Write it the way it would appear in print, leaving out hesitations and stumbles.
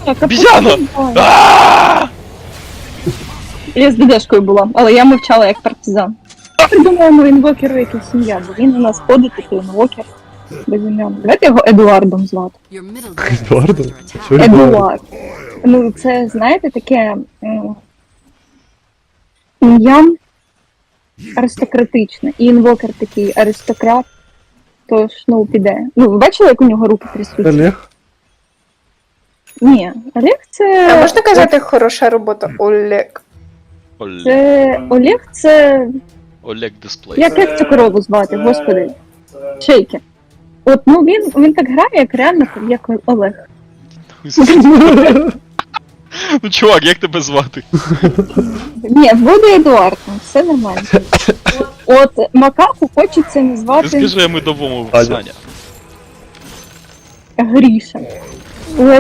Обізяна! Аааа! Я з ДДшкою була, але я мовчала як партизан. Придумаємо інвокеру якийсь ім'я, бо він у нас ходить такий інвокер. Без ім'я. Давайте його Едуардом звати. Едуардом? Що Едуард? Едуард. Ну, це, знаєте, таке ім'я аристократичне. І інвокер такий аристократ. Тож, ну, піде. Ну, ви бачили, як у нього руки трясуться? Олег? Ні, Олег це... А можна казати хороша робота, Олег? Олег. Це... Олег це... Олег дисплей. Як цю корову звати, господи? Шейки. От, ну він так грає, як реально, як Олег. Ну чувак, як тебе звати? Ні, буде Едуард, все нормально. От макаку хочеться Ти назвати скажи, а ми домовимо Аня. Саня. Гріша.